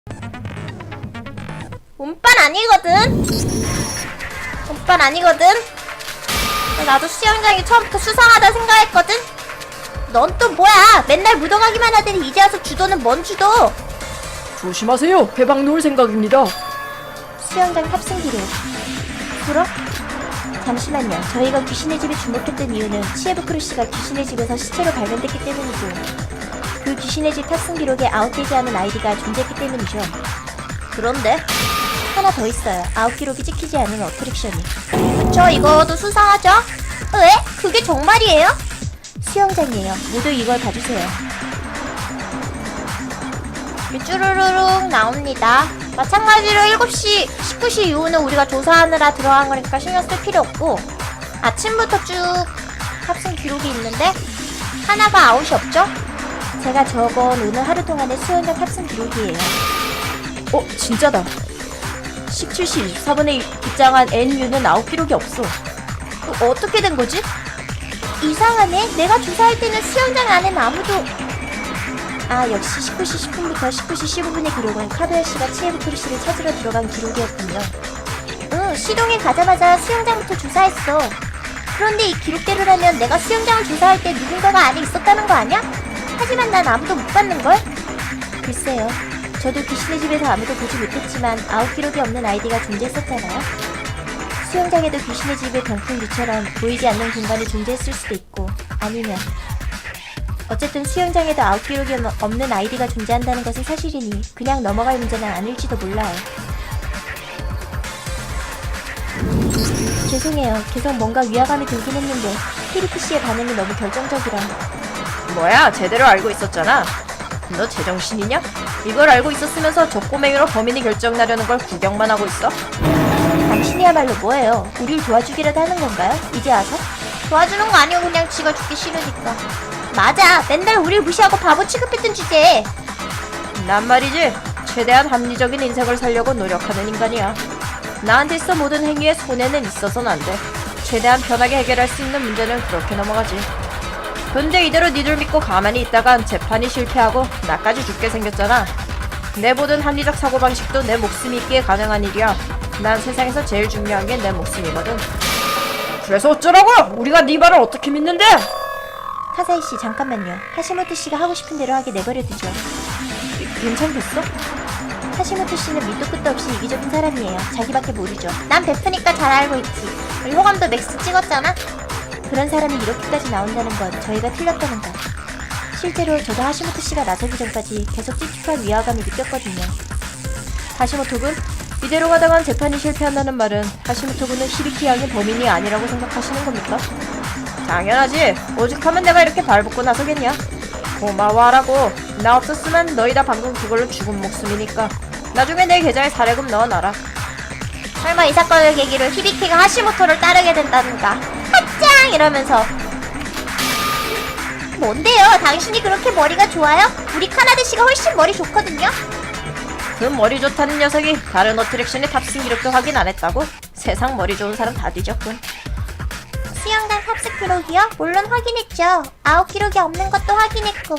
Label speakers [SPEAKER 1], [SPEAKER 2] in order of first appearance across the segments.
[SPEAKER 1] 운빨 아니거든? 운빨 아니거든? 나도 수영장이 처음부터 수상하다 생각했거든? 넌 또 뭐야? 맨날 무덤하기만 하더니 이제 와서 주도는 뭔 주도?
[SPEAKER 2] 조심하세요. 해방 놓을 생각입니다.
[SPEAKER 1] 수영장 탑승 기록. 그럼? 잠시만요. 저희가 귀신의 집에 주목했던 이유는 치에부크루 씨가 귀신의 집에서 시체로 발견됐기 때문이고 그 귀신의 집 탑승 기록에 아웃되지 않은 아이디가 존재했기 때문이죠. 그런데? 하나 더 있어요. 아웃 기록이 찍히지 않은 어트랙션이. 그쵸, 이거도 수상하죠? 왜? 그게 정말이에요? 수영장이에요. 모두 이걸 봐주세요. 쭈루루룩 나옵니다. 마찬가지로 7시, 19시 이후는 우리가 조사하느라 들어간 거니까 신경 쓸 필요 없고 아침부터 쭉 탑승 기록이 있는데 하나가 아웃이 없죠? 제가 적은 오늘 하루 동안의 수영장 탑승 기록이에요.
[SPEAKER 2] 진짜다. 17시 24분에 입장한 NU는 아웃 기록이 없어.
[SPEAKER 1] 어떻게 된 거지? 이상하네. 내가 조사할 때는 수영장 안엔 아무도... 역시 19시 10분부터 19시 15분의 기록은 카드야 씨가 치에부크루 씨를 찾으러 들어간 기록이었군요. 시동에 가자마자 수영장부터 조사했어. 그런데 이 기록대로라면 내가 수영장을 조사할 때 누군가가 안에 있었다는 거 아니야? 하지만 난 아무도 못 봤는걸? 글쎄요. 저도 귀신의 집에서 아무도 보지 못했지만 아웃 기록이 없는 아이디가 존재했었잖아요. 수영장에도 귀신의 집의 병풍류처럼 보이지 않는 공간이 존재했을 수도 있고 아니면 어쨌든 수영장에도 아웃 기록이 없는 아이디가 존재한다는 것은 사실이니 그냥 넘어갈 문제는 아닐지도 몰라요. 죄송해요. 계속 뭔가 위화감이 들긴 했는데 키리키 씨의 반응이 너무 결정적이라.
[SPEAKER 2] 뭐야, 제대로 알고 있었잖아. 너 제정신이냐? 이걸 알고 있었으면서 저 꼬맹이로 범인이 결정나려는 걸 구경만 하고 있어?
[SPEAKER 1] 당신이야말로 뭐예요? 우릴 도와주기라도 하는 건가요? 이제 와서? 도와주는 거 아니고 그냥 지가 죽기 싫으니까. 맞아. 맨날 우릴 무시하고 바보 취급했던 주제에.
[SPEAKER 2] 난 말이지, 최대한 합리적인 인생을 살려고 노력하는 인간이야. 나한테 있어 모든 행위에 손해는 있어서는 안 돼. 최대한 편하게 해결할 수 있는 문제는 그렇게 넘어가지. 근데 이대로 니들 믿고 가만히 있다간 재판이 실패하고 나까지 죽게 생겼잖아. 내 모든 합리적 사고방식도 내 목숨이 있기에 가능한 일이야. 난 세상에서 제일 중요한 게 내 목숨이거든. 그래서 어쩌라고? 우리가 네 말을 어떻게 믿는데?
[SPEAKER 1] 카사이 씨 잠깐만요. 하시모토 씨가 하고 싶은 대로 하게 내버려두죠.
[SPEAKER 2] 괜찮겠어?
[SPEAKER 1] 하시모토 씨는 밑도 끝도 없이 이기적인 사람이에요. 자기밖에 모르죠. 난 베프니까 잘 알고 있지. 우리 호감도 맥스 찍었잖아. 그런 사람이 이렇게까지 나온다는 건 저희가 틀렸다는 거. 실제로 저도 하시모토 씨가 나서기 전까지 계속 찝찝한 위화감이 느꼈거든요.
[SPEAKER 2] 하시모토군? 이대로 가다간 재판이 실패한다는 말은 하시모토군은 히비키 양이 범인이 아니라고 생각하시는 겁니까? 당연하지. 오죽하면 내가 이렇게 발벗고 나서겠냐. 고마워하라고. 나 없었으면 너희 다 방금 그걸로 죽은 목숨이니까. 나중에 내 계좌에 사례금 넣어놔라.
[SPEAKER 1] 설마 이 사건을 계기로 히비키가 하시모토를 따르게 된다든가. 핫짱! 이러면서. 뭔데요? 당신이 그렇게 머리가 좋아요? 우리 카나데 씨가 훨씬 머리 좋거든요?
[SPEAKER 2] 그 머리 좋다는 녀석이 다른 어트랙션의 탑승 기록도 확인 안 했다고? 세상 머리 좋은 사람 다 뒤졌군.
[SPEAKER 1] 수영장 탑승 기록이요? 물론 확인했죠. 아웃 기록이 없는 것도 확인했고.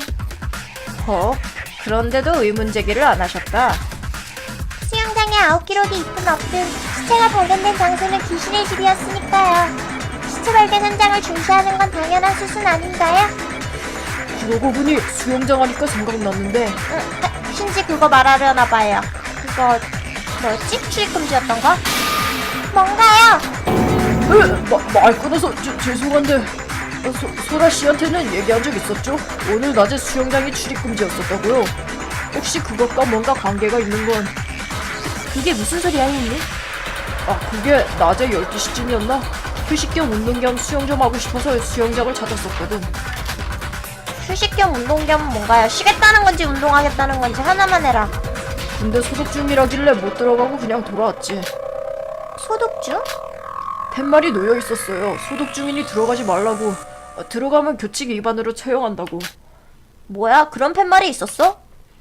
[SPEAKER 2] 그런데도 의문 제기를 안 하셨다.
[SPEAKER 1] 수영장에 아웃 기록이 있든 없든 시체가 발견된 장소는 귀신의 집이었으니까요. 시체 발견 현장을 중시하는 건 당연한 수순 아닌가요?
[SPEAKER 2] 그러고 보니 수영장 하니까 생각났는데
[SPEAKER 1] 신지 그거 말하려나 봐요. 그거 뭐였지? 출입금지였던 거? 뭔가요?
[SPEAKER 2] 말 끊어서 죄송한데 소라 씨한테는 얘기한 적 있었죠? 오늘 낮에 수영장이 출입금지였었다고요. 혹시 그것과 뭔가 관계가 있는 건...
[SPEAKER 1] 그게 무슨 소리야, 형님?
[SPEAKER 2] 그게 낮에 12시쯤이었나? 휴식 겸 운동 겸 수영 좀 하고 싶어서 수영장을 찾았었거든.
[SPEAKER 1] 휴식 겸 운동 겸 뭔가요? 쉬겠다는 건지 운동하겠다는 건지 하나만 해라.
[SPEAKER 2] 근데 소독 중이라길래 못 들어가고 그냥 돌아왔지.
[SPEAKER 1] 소독 중?
[SPEAKER 2] 팻말이 놓여 있었어요. 소독 중이니 들어가지 말라고. 들어가면 규칙 위반으로 처형한다고.
[SPEAKER 1] 뭐야? 그런 팻말이 있었어?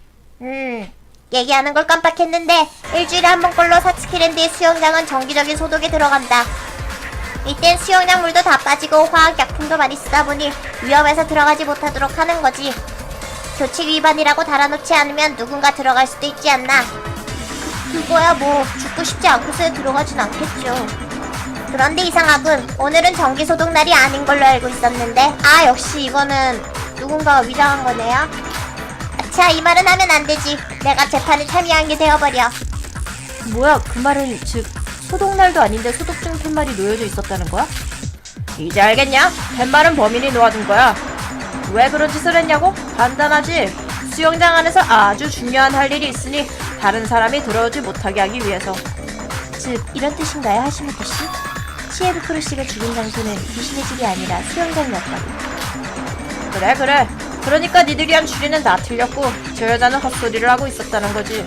[SPEAKER 1] 얘기하는 걸 깜빡했는데 일주일에 한 번꼴로 사츠키랜드의 수영장은 정기적인 소독에 들어간다. 이땐 수영장 물도 다 빠지고 화학약품도 많이 쓰다 보니 위험해서 들어가지 못하도록 하는 거지. 규칙 위반이라고 달아놓지 않으면 누군가 들어갈 수도 있지 않나? 그거야 뭐 죽고 싶지 않고서 들어가진 않겠죠. 그런데 이상하군. 오늘은 정기소독 날이 아닌 걸로 알고 있었는데. 아, 역시 이거는 누군가가 위장한 거네요. 자, 이 말은 하면 안 되지. 내가 재판에 참여한 게 되어버려.
[SPEAKER 2] 뭐야, 그 말은 즉 소독날도 아닌데 소독중 팻말이 놓여져 있었다는 거야? 이제 알겠냐? 팻말은 범인이 놓아둔 거야. 왜 그런 짓을 했냐고? 간단하지. 수영장 안에서 아주 중요한 할 일이 있으니 다른 사람이 들어오지 못하게 하기 위해서.
[SPEAKER 1] 즉, 이런 뜻인가요, 하시모토 씨? 치에부 크루시가 죽은 장소는 귀신의 집이 아니라 수영장이었다고.
[SPEAKER 2] 그래. 그러니까 니들이 한 추리는 다 틀렸고 저 여자는 헛소리를 하고 있었다는 거지.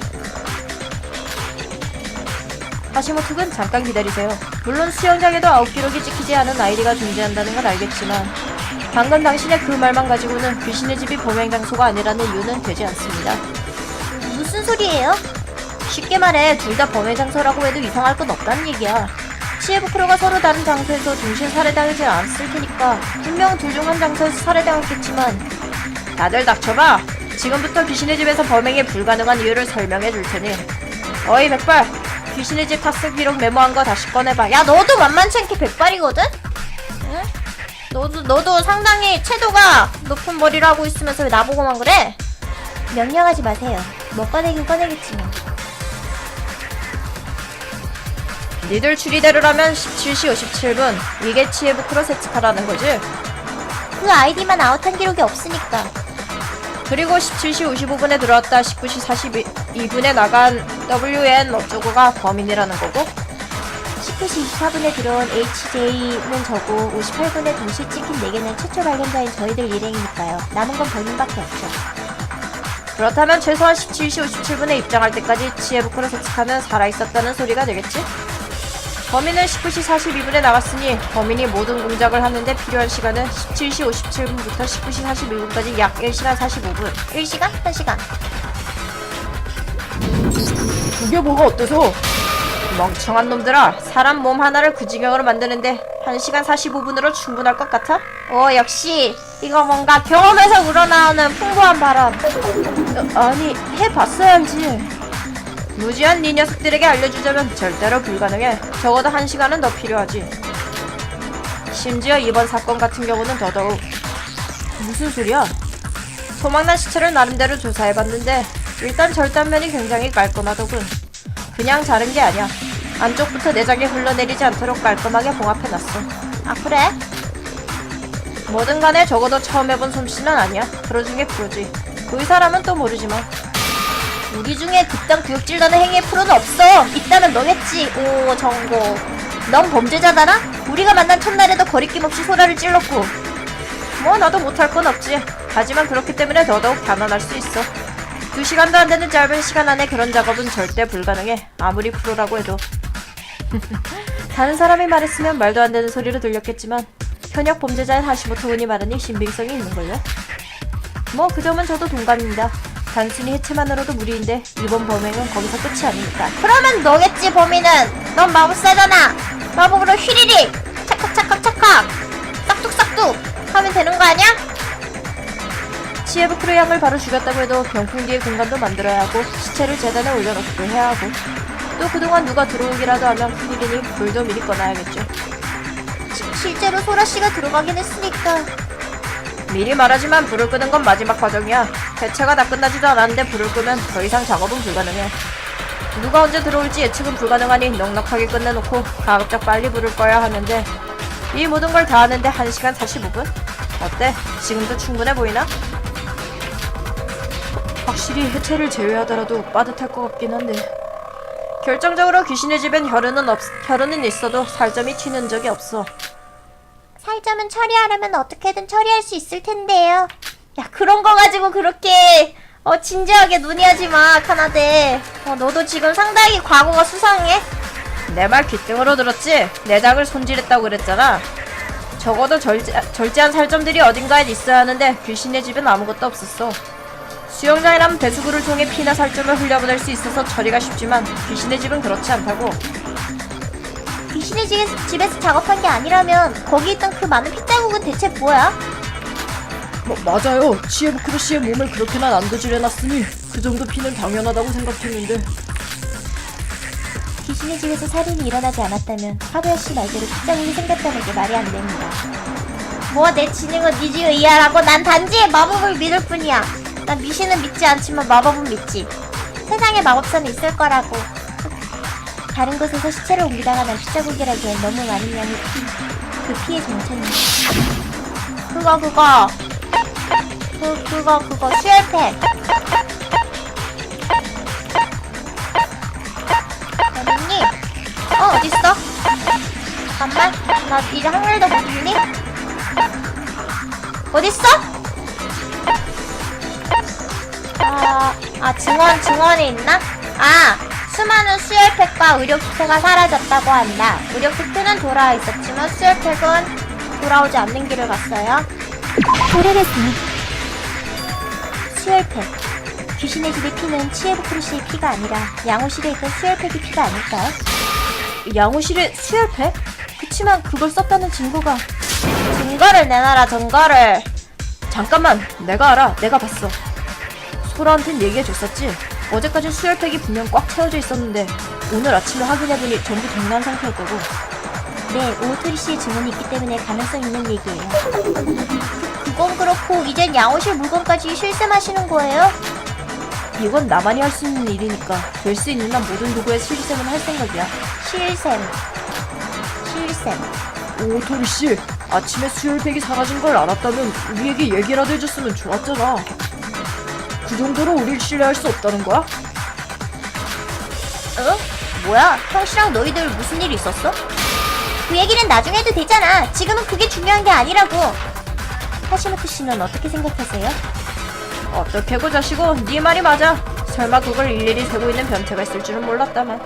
[SPEAKER 2] 하시모토군, 잠깐 기다리세요. 물론 수영장에도 아웃 기록이 찍히지 않은 아이디가 존재한다는 건 알겠지만 방금 당신의 그 말만 가지고는 귀신의 집이 범행 장소가 아니라는 이유는 되지 않습니다.
[SPEAKER 1] 무슨 소리예요?
[SPEAKER 2] 쉽게 말해 둘 다 범행 장소라고 해도 이상할 건 없다는 얘기야. 치에부 크로가 서로 다른 장소에서 동시에 살해당하지 않았을 테니까 분명 둘 중 한 장소에서 살해당했겠지만. 다들 닥쳐봐. 지금부터 귀신의 집에서 범행이 불가능한 이유를 설명해 줄 테니. 어이 백발, 귀신의 집 탑승 기록 메모한 거 다시 꺼내봐.
[SPEAKER 1] 야, 너도 만만치 않게 백발이거든? 응? 너도 상당히 채도가 높은 머리를 하고 있으면서 왜 나보고만 그래? 명령하지 마세요. 뭐 꺼내긴 꺼내겠지만.
[SPEAKER 2] 니들 추리대로라면 17시 57분 이게 치에부 크로 세츠카라는 거지?
[SPEAKER 1] 그 아이디만 아웃한 기록이 없으니까.
[SPEAKER 2] 그리고 17시 55분에 들어왔다 19시 42분에 나간 WN 어쩌고가 범인이라는 거고,
[SPEAKER 1] 19시 24분에 들어온 HJ는 저고 58분에 동시에 찍힌 4개는 최초 발견자인 저희들 일행이니까요. 남은 건 본인밖에 없죠.
[SPEAKER 2] 그렇다면 최소한 17시 57분에 입장할 때까지 치에부 크로 세츠카는 살아있었다는 소리가 되겠지? 범인은 19시 42분에 나갔으니 범인이 모든 공작을 하는데 필요한 시간은 17시 57분부터 19시 42분까지 약 1시간 45분.
[SPEAKER 1] 1시간? 1시간.
[SPEAKER 2] 그게 뭐가 어때서? 멍청한 놈들아, 사람 몸 하나를 그 지경으로 만드는데 1시간 45분으로 충분할 것 같아?
[SPEAKER 1] 역시 이거 뭔가 경험에서 우러나오는 풍부한 발언.
[SPEAKER 2] 아니, 해봤어야 알지. 무지한 네 녀석들에게 알려주자면 절대로 불가능해. 적어도 1시간은 더 필요하지. 심지어 이번 사건 같은 경우는 더더욱. 무슨 소리야? 소망난 시체를 나름대로 조사해봤는데 일단 절단면이 굉장히 깔끔하더군. 그냥 자른 게 아니야. 안쪽부터 내장이 흘러내리지 않도록 깔끔하게 봉합해놨어.
[SPEAKER 1] 아, 그래?
[SPEAKER 2] 뭐든 간에 적어도 처음 해본 솜씨는 아니야. 프로 중에 프로지. 그 의사라면 또 모르지만.
[SPEAKER 1] 우리 중에 그딴 구역질 나는 행위의 프로는 없어. 있다면 너겠지. 오, 정고. 넌 범죄자잖아? 우리가 만난 첫날에도 거리낌 없이 소라를 찔렀고.
[SPEAKER 2] 뭐 나도 못할 건 없지. 하지만 그렇기 때문에 더더욱 단언할 수 있어. 2시간도 안 되는 짧은 시간 안에 그런 작업은 절대 불가능해. 아무리 프로라고 해도. 다른 사람이 말했으면 말도 안 되는 소리로 들렸겠지만 현역 범죄자인 하시모토 군이 말하니 신빙성이 있는걸요. 뭐 그 점은 저도 동감입니다. 단순히 해체만으로도 무리인데 이번 범행은 거기서 끝이 아니니까.
[SPEAKER 1] 그러면 너겠지, 범인은. 넌 마법사잖아. 마법으로 휘리릭 찰칵 싹둑 하면 되는 거 아니야?
[SPEAKER 2] 치에부 크루 양을 바로 죽였다고 해도 병풍 뒤에 공간도 만들어야 하고 시체를 재단에 올려놓기도 해야 하고 또 그동안 누가 들어오기라도 하면 큰일이니 불도 미리 꺼놔야겠죠.
[SPEAKER 1] 실제로 소라씨가 들어가긴 했으니까.
[SPEAKER 2] 미리 말하지만 불을 끄는 건 마지막 과정이야. 해체가 다 끝나지도 않았는데 불을 끄면 더 이상 작업은 불가능해. 누가 언제 들어올지 예측은 불가능하니 넉넉하게 끝내놓고 가급적 빨리 불을 꺼야 하는데 이 모든 걸 다 하는데 1시간 45분? 어때? 지금도 충분해 보이나? 확실히 해체를 제외하더라도 빠듯할 것 같긴 한데 결정적으로 귀신의 집엔 혈흔은 있어도 살점이 튀는 적이 없어.
[SPEAKER 1] 살점은 처리하려면 어떻게든 처리할 수 있을 텐데요. 야, 그런 거 가지고 그렇게 진지하게 논의하지 마, 카나데. 너도 지금 상당히 과거가 수상해.
[SPEAKER 2] 내 말 귓등으로 들었지? 내장을 손질했다고 그랬잖아. 적어도 절제한 살점들이 어딘가에 있어야 하는데 귀신의 집엔 아무것도 없었어. 수영장이라면 배수구를 통해 피나 살점을 흘려보낼 수 있어서 처리가 쉽지만 귀신의 집은 그렇지 않다고.
[SPEAKER 1] 귀신의 집에서 작업한 게 아니라면 거기 있던 그 많은 핏자국은 대체 뭐야?
[SPEAKER 2] 맞아요. 치에부크루 씨의 몸을 그렇게나 난도질해놨으니 그 정도 피는 당연하다고 생각했는데.
[SPEAKER 1] 귀신의 집에서 살인이 일어나지 않았다면 카구야 씨 말대로 핏자국이 생겼다는 게 말이 안 됩니다. 뭐 내 지능은 네 지에 의하라고. 난 단지 마법을 믿을 뿐이야. 난 미신은 믿지 않지만 마법은 믿지. 세상에 마법사는 있을 거라고. 다른 곳에서 시체를 옮기다가 난 핏자국이라기엔 너무 많은 양의 그 피의 정체는 그거 수혈팩. 어딨니? 어딨어? 잠깐만, 나 이제 한글도 못 읽니? 어딨어? 증원에 있나? 수많은 수혈팩과 의료키트가 사라졌다고 한다. 의료키트는 돌아와 있었지만 수혈팩은 돌아오지 않는 길을 갔어요. 오래됐으니. 수혈팩. 귀신의 집의 피는 치에부크루 씨의 피가 아니라 양호실에 있던 수혈팩의 피가 아닐까요?
[SPEAKER 2] 양호실에 수혈팩? 그치만 그걸 썼다는 증거가.
[SPEAKER 1] 증거를 내놔라, 증거를.
[SPEAKER 2] 잠깐만, 내가 알아. 내가 봤어. 소라한텐 얘기해줬었지. 어제까지 수혈팩이 분명 꽉 채워져 있었는데 오늘 아침에 확인해보니 전부 동난 상태였다고.
[SPEAKER 1] 네, 오토리 씨의 증언이 있기 때문에 가능성 있는 얘기예요. 그건 그렇고 이젠 양호실 물건까지 실샘하시는 거예요?
[SPEAKER 2] 이건 나만이 할 수 있는 일이니까 될 수 있는 한 모든 도구에 실샘은 할 생각이야.
[SPEAKER 1] 실샘.
[SPEAKER 2] 오토리 씨, 아침에 수혈팩이 사라진 걸 알았다면 우리에게 얘기라도 해줬으면 좋았잖아. 그 정도로 우릴 신뢰할 수 없다는 거야?
[SPEAKER 1] 뭐야? 형씨랑 너희들 무슨 일 있었어? 그 얘기는 나중에 해도 되잖아. 지금은 그게 중요한 게 아니라고. 하시모토 씨는 어떻게 생각하세요?
[SPEAKER 2] 어떻게 고자시고 네 말이 맞아. 설마 그걸 일일이 세고 있는 변태가 있을 줄은 몰랐다만.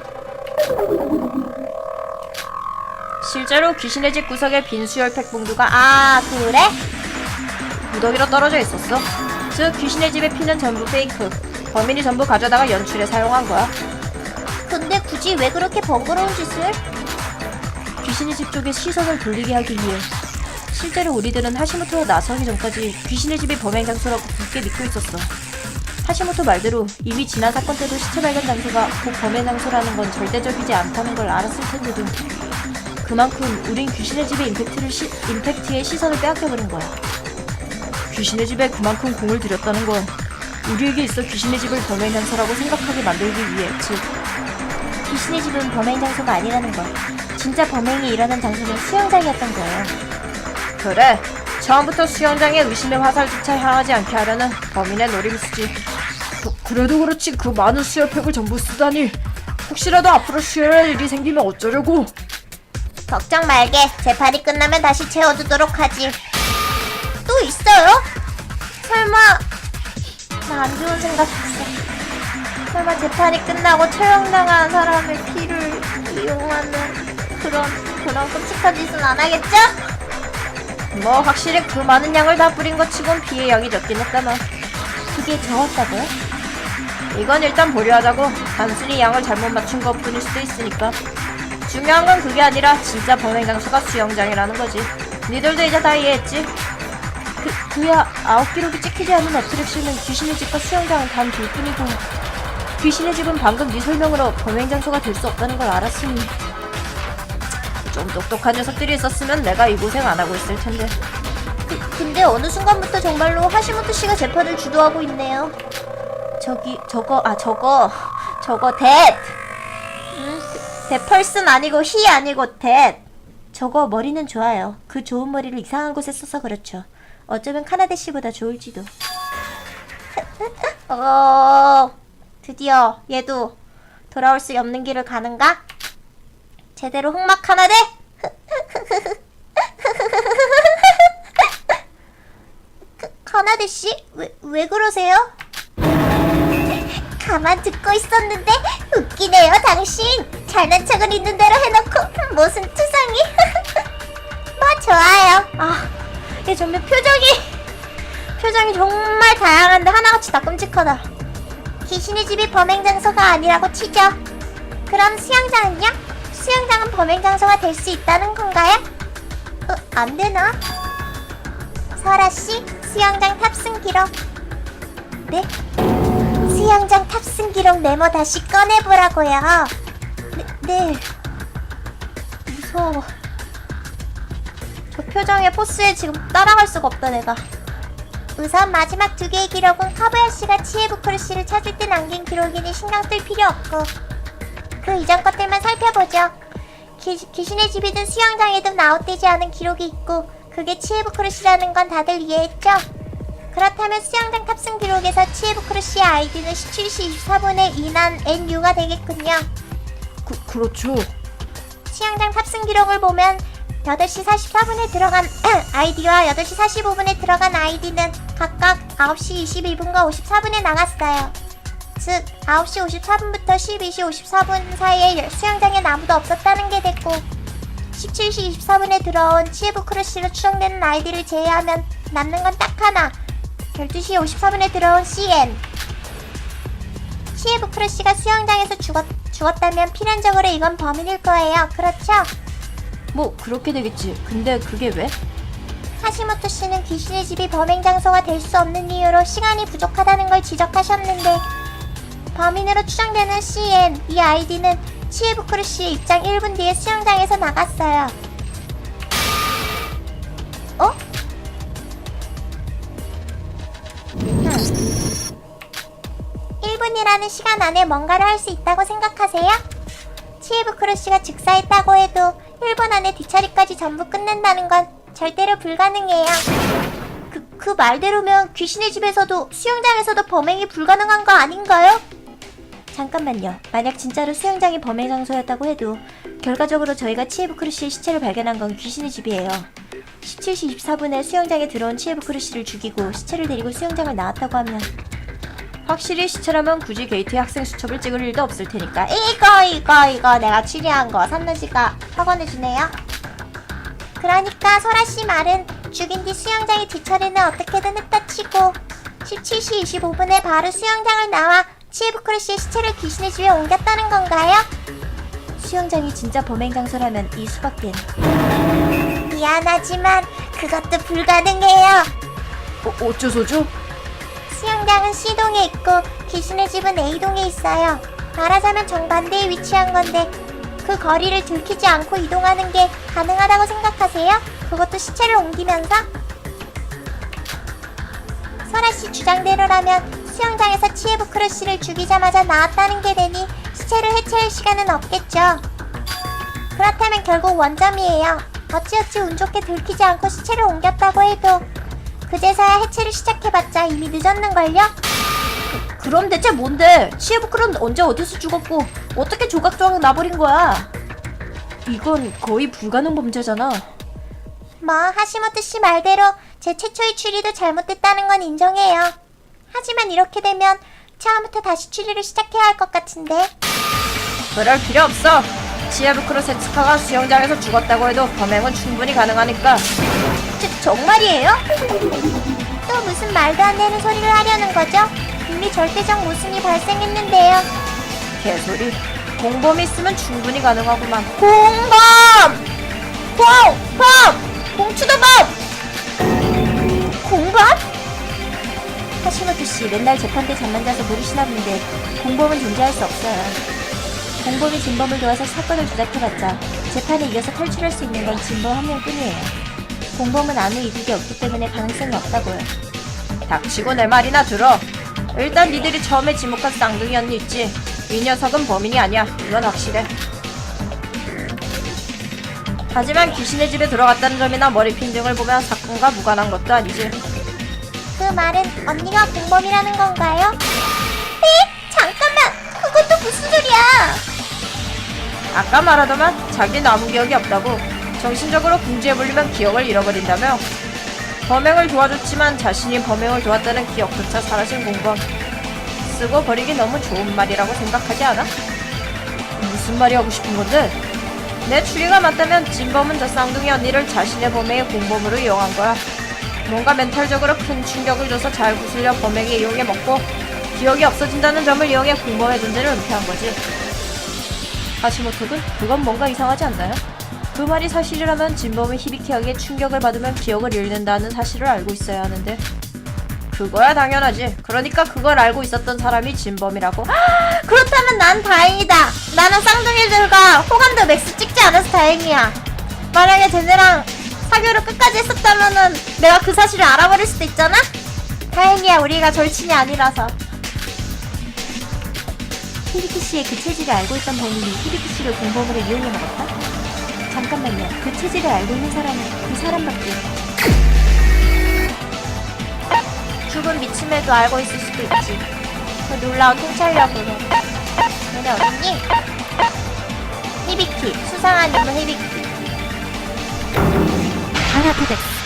[SPEAKER 2] 실제로 귀신의 집 구석에 빈 수혈팩 봉두가
[SPEAKER 1] 그래?
[SPEAKER 2] 무더기로 떨어져 있었어. 즉 귀신의 집의 피는 전부 페이크. 범인이 전부 가져다가 연출에 사용한 거야.
[SPEAKER 1] 근데 굳이 왜 그렇게 번거로운 짓을?
[SPEAKER 2] 귀신의 집 쪽에 시선을 돌리게 하기 위해. 실제로 우리들은 하시모토가 나서기 전까지 귀신의 집이 범행 장소라고 굳게 믿고 있었어. 하시모토 말대로 이미 지난 사건 때도 시체 발견 장소가 곧 범행 장소라는 건 절대적이지 않다는 걸 알았을 텐데도 그만큼 우린 귀신의 집의 임팩트에 시선을 빼앗겨버린 거야. 귀신의 집에 그만큼 공을 들였다는 건 우리에게 있어 귀신의 집을 범행 장소라고 생각하게 만들기 위해. 즉
[SPEAKER 1] 귀신의 집은 범행 장소가 아니라는 것. 진짜 범행이 일어난 장소는 수영장이었던 거예요.
[SPEAKER 2] 그래, 처음부터 수영장에 의심의 화살조차 향하지 않게 하려는 범인의 노림수지. 그래도 그렇지 그 많은 수혈팩을 전부 쓰다니. 혹시라도 앞으로 수혈할 일이 생기면 어쩌려고.
[SPEAKER 1] 걱정 말게. 재판이 끝나면 다시 채워두도록 하지. 또 있어요? 설마 나 안 좋은 생각했어. 설마 재판이 끝나고 처형당한 사람의 피를 이용하는 그런 끔찍한 짓은 안 하겠죠?
[SPEAKER 2] 뭐 확실히 그 많은 양을 다 뿌린 것 치곤 피의 양이 적긴 했다만.
[SPEAKER 1] 그게 적었다고요?
[SPEAKER 2] 이건 일단 보류하자고. 단순히 양을 잘못 맞춘 것뿐일 수도 있으니까. 중요한 건 그게 아니라 진짜 범행 장소가 수영장이라는 거지. 니들도 이제 다 이해했지?
[SPEAKER 1] 그야 아웃 기록이 찍히지 않은 어트랙션은 귀신의 집과 수영장은 단 둘뿐이고
[SPEAKER 2] 귀신의 집은 방금 네 설명으로 범행 장소가 될 수 없다는 걸 알았으니. 좀 똑똑한 녀석들이 있었으면 내가 이 고생 안 하고 있을 텐데.
[SPEAKER 1] 근데 어느 순간부터 정말로 하시모토 씨가 재판을 주도하고 있네요. 저거 댓. 댓펄슨 아니고 히 아니고 댓. 저거 머리는 좋아요. 그 좋은 머리를 이상한 곳에 써서 그렇죠. 어쩌면 카나데 씨보다 좋을지도. 드디어 얘도 돌아올 수 없는 길을 가는가? 제대로 흑막 카나데? 카나데 씨? 왜 그러세요? 가만 듣고 있었는데 웃기네요, 당신. 잘난 척은 있는 대로 해놓고 무슨 투성이. 뭐 좋아요. 얘 정말 표정이 정말 다양한데 하나같이 다 끔찍하다. 귀신의 집이 범행 장소가 아니라고 치죠. 그럼 수영장은요? 수영장은 범행 장소가 될 수 있다는 건가요? 안 되나? 설아 씨, 수영장 탑승 기록. 네? 수영장 탑승 기록 메모 다시 꺼내보라고요. 네. 무서워. 저 표정의 포스에 지금 따라갈 수가 없다 내가. 우선 마지막 두 개의 기록은 카바야시가 치에부쿠르시를 찾을 때 남긴 기록이니 신경 쓸 필요 없고, 그 이전 것들만 살펴보죠. 귀신의 집이든 수영장이든 아웃되지 않은 기록이 있고 그게 치에부쿠르시라는 건 다들 이해했죠? 그렇다면 수영장 탑승 기록에서 치에부쿠르시의 아이디는 17시 24분에 인한 NU가 되겠군요.
[SPEAKER 2] 그렇죠.
[SPEAKER 1] 수영장 탑승 기록을 보면 8시 44분에 들어간 아이디와 8시 45분에 들어간 아이디는 각각 9시 21분과 54분에 나갔어요. 즉 9시 54분부터 12시 54분 사이에 수영장엔 아무도 없었다는 게 됐고, 17시 24분에 들어온 치에부쿠르시로 추정되는 아이디를 제외하면 남는 건 딱 하나, 12시 54분에 들어온 CN. 치에부쿠르시가 수영장에서 죽었다면 필연적으로 이건 범인일 거예요. 그렇죠?
[SPEAKER 2] 뭐 그렇게 되겠지. 근데 그게 왜?
[SPEAKER 1] 하시모토 씨는 귀신의 집이 범행 장소가 될 수 없는 이유로 시간이 부족하다는 걸 지적하셨는데, 범인으로 추정되는 CN, 이 아이디는 치에부쿠르 씨의 입장 1분 뒤에 수영장에서 나갔어요. 어? 1분이라는 시간 안에 뭔가를 할 수 있다고 생각하세요? 치에부쿠르 씨가 즉사했다고 해도 1분 안에 뒷처리까지 전부 끝낸다는 건 절대로 불가능해요. 그 말대로면 귀신의 집에서도 수영장에서도 범행이 불가능한 거 아닌가요? 잠깐만요. 만약 진짜로 수영장이 범행 장소였다고 해도 결과적으로 저희가 치에부쿠르 씨의 시체를 발견한 건 귀신의 집이에요. 17시 24분에 수영장에 들어온 치에부쿠르 씨를 죽이고 시체를 데리고 수영장을 나왔다고 하면,
[SPEAKER 2] 확실히 시체라면 굳이 게이트에 학생 수첩을 찍을 일도 없을 테니까.
[SPEAKER 1] 이거 내가 추리한 거 산나씨가 확언해주네요. 그러니까 소라씨 말은 죽인 뒤 수영장의 뒷처리는 어떻게든 했다 치고 17시 25분에 바로 수영장을 나와 치에부쿠르 씨의 시체를 귀신의 집에 옮겼다는 건가요?
[SPEAKER 2] 수영장이 진짜 범행 장소라면 이 수밖엔.
[SPEAKER 1] 미안하지만 그것도 불가능해요.
[SPEAKER 2] 어쩌소죠?
[SPEAKER 1] 수영장은 C동에 있고 귀신의 집은 A동에 있어요. 말하자면 정반대에 위치한 건데 그 거리를 들키지 않고 이동하는 게 가능하다고 생각하세요? 그것도 시체를 옮기면서? 설아씨 주장대로라면 수영장에서 치에부쿠르 씨를 죽이자마자 나왔다는 게 되니 시체를 해체할 시간은 없겠죠. 그렇다면 결국 원점이에요. 어찌어찌 운 좋게 들키지 않고 시체를 옮겼다고 해도 그제서야 해체를 시작해봤자 이미 늦었는걸요?
[SPEAKER 2] 그럼 대체 뭔데? 치에부쿠르는 언제 어디서 죽었고 어떻게 조각조각 나버린 거야? 이건 거의 불가능 범죄잖아.
[SPEAKER 1] 뭐 하시모토 씨 말대로 제 최초의 추리도 잘못됐다는 건 인정해요. 하지만 이렇게 되면 처음부터 다시 추리를 시작해야 할 것 같은데.
[SPEAKER 2] 그럴 필요 없어. 치에부쿠르 세츠카가 수영장에서 죽었다고 해도 범행은 충분히 가능하니까.
[SPEAKER 1] 정말이에요? 또 무슨 말도 안 되는 소리를 하려는 거죠? 이미 절대적 모순이 발생했는데요.
[SPEAKER 2] 개소리. 공범이 있으면 충분히 가능하구만.
[SPEAKER 1] 공범! 공추도범! 공범?
[SPEAKER 2] 하시모토 씨 맨날 재판 때 잠만 자서 모르시나 본데 공범은 존재할 수 없어요. 공범이 진범을 도와서 사건을 조작해봤자 재판에 이겨서 탈출할 수 있는 건 진범 한 명뿐이에요. 공범은 아무 이득이 없기 때문에 가능성이 없다고요. 닥치고 내 말이나 들어. 일단 니들이 처음에 지목한 쌍둥이 언니 있지? 이 녀석은 범인이 아니야. 이건 확실해. 하지만 귀신의 집에 들어갔다는 점이나 머리핀 등을 보면 사건과 무관한 것도 아니지.
[SPEAKER 1] 그 말은 언니가 공범이라는 건가요? 에? 잠깐만! 그것도 무슨 소리야!
[SPEAKER 2] 아까 말하더만 자기 남은 기억이 없다고. 정신적으로 궁지에 몰리면 기억을 잃어버린다며. 범행을 도와줬지만 자신이 범행을 도왔다는 기억조차 사라진 공범. 쓰고 버리기 너무 좋은 말이라고 생각하지 않아? 무슨 말이 하고 싶은 건데? 내 추리가 맞다면 진범은 저 쌍둥이 언니를 자신의 범행의 공범으로 이용한 거야. 뭔가 멘탈적으로 큰 충격을 줘서 잘 구슬려 범행에 이용해 먹고 기억이 없어진다는 점을 이용해 공범의 존재를 은폐한 거지. 하시모토군? 그건 뭔가 이상하지 않나요? 그 말이 사실이라면 진범은 히비키에게 충격을 받으면 기억을 잃는다는 사실을 알고 있어야 하는데. 그거야 당연하지. 그러니까 그걸 알고 있었던 사람이 진범이라고.
[SPEAKER 1] 그렇다면 난 다행이다. 나는 쌍둥이들과 호감도 맥스 찍지 않아서 다행이야. 만약에 쟤네랑 사교를 끝까지 했었다면은 내가 그 사실을 알아버릴 수도 있잖아? 다행이야, 우리가 절친이 아니라서. 히비키 씨의 그 체질을 알고 있던 범인이 히비키 씨를 공범으로 이용해 먹었다? 잠깐만요. 그 체질을 알고 있는 사람은 그 사람밖에. 죽은 미츠메도 알고 있을 수도 있지. 그 놀라운 통찰력으로. 너네 어딨니? 히비키. 수상한 인물 히비키. 하나도 됐어.